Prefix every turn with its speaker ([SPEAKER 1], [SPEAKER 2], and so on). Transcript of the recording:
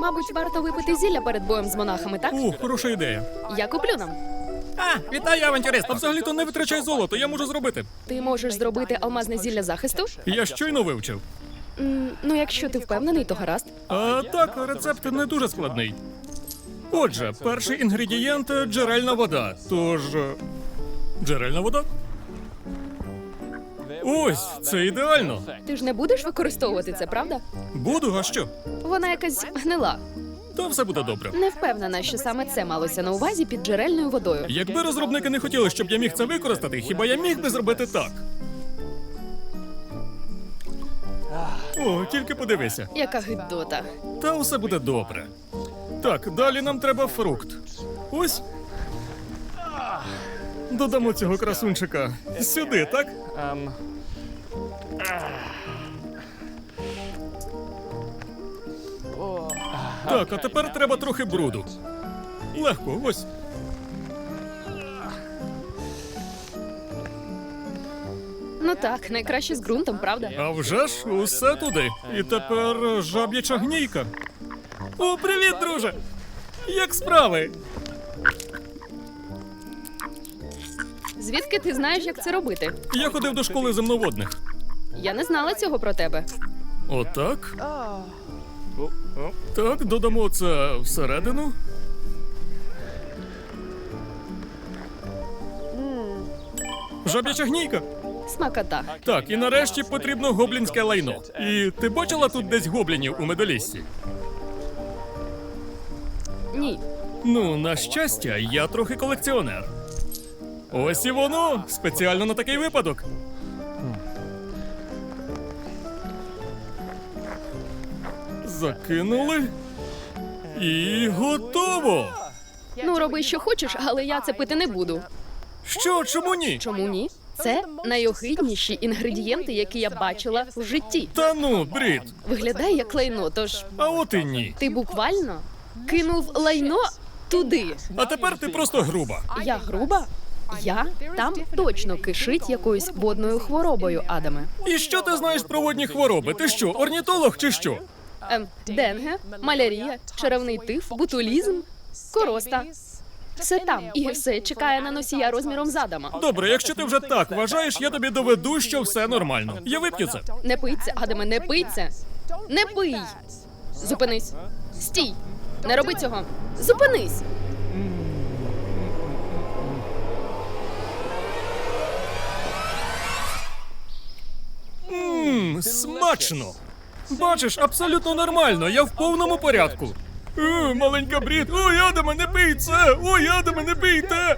[SPEAKER 1] Мабуть, варто випити зілля перед боєм з монахами, так?
[SPEAKER 2] Хороша ідея.
[SPEAKER 1] Я куплю нам.
[SPEAKER 2] Вітаю, авантюрист! А взагалі-то не витрачай золото, я можу зробити.
[SPEAKER 1] Ти можеш зробити алмазне зілля захисту?
[SPEAKER 2] Я щойно вивчив.
[SPEAKER 1] Ну, якщо ти впевнений, то гаразд.
[SPEAKER 2] А так, рецепт не дуже складний. Отже, перший інгредієнт – джерельна вода. Тож... Джерельна вода? Ось, це ідеально.
[SPEAKER 1] Ти ж не будеш використовувати це, правда?
[SPEAKER 2] Буду, а що?
[SPEAKER 1] Вона якась гнила.
[SPEAKER 2] Та все буде добре.
[SPEAKER 1] Не впевнена, що саме це малося на увазі під джерельною водою.
[SPEAKER 2] Якби розробники не хотіли, щоб я міг це використати, хіба я міг би зробити так? О, тільки подивися.
[SPEAKER 1] Яка гидота.
[SPEAKER 2] Та усе буде добре. Так, далі нам треба фрукт. Ось. Додамо цього красунчика сюди, так? Так, а тепер треба трохи бруду. Легко, ось.
[SPEAKER 1] Ну так, найкраще з ґрунтом, правда?
[SPEAKER 2] А вже ж, усе туди. І тепер жаб'яча гнійка. О, привіт, друже! Як справи?
[SPEAKER 1] Звідки ти знаєш, як це робити?
[SPEAKER 2] Я ходив до школи земноводних.
[SPEAKER 1] Я не знала цього про тебе.
[SPEAKER 2] Отак. Так, додамо це всередину. Жаб'яча гнійка.
[SPEAKER 1] Смакота.
[SPEAKER 2] Так, і нарешті потрібно гоблінське лайно. І ти бачила тут десь гоблінів у медоліссі?
[SPEAKER 1] Ні.
[SPEAKER 2] Ну, на щастя, я трохи колекціонер. Ось і воно, спеціально на такий випадок. Закинули. І готово!
[SPEAKER 1] Ну, роби, що хочеш, але я це пити не буду.
[SPEAKER 2] Що, чому ні?
[SPEAKER 1] Чому ні? Це найогидніші інгредієнти, які я бачила в житті.
[SPEAKER 2] Та ну, брід.
[SPEAKER 1] Виглядає як лайно, тож
[SPEAKER 2] А от і ні.
[SPEAKER 1] ти буквально кинув лайно туди.
[SPEAKER 2] А тепер ти просто груба.
[SPEAKER 1] Я груба? Я? Там точно кишить якоюсь водною хворобою, Адаме.
[SPEAKER 2] І що ти знаєш про водні хвороби? Ти що, орнітолог чи що?
[SPEAKER 1] Денге, малярія, черевний тиф, ботулізм, короста. Все там, і все чекає на носія розміром з Адама.
[SPEAKER 2] Добре, якщо ти вже так вважаєш, я тобі доведу, що все нормально. Я вип'ю це.
[SPEAKER 1] Не пий це, Адаме, не пий це. Не пий. Зупинись. Стій. Не роби цього. Зупинись.
[SPEAKER 2] Смачно. Бачиш, абсолютно нормально, я в повному порядку. Маленька брід. Ой, Адаме, не пий це! Ой, Адаме, не пийте!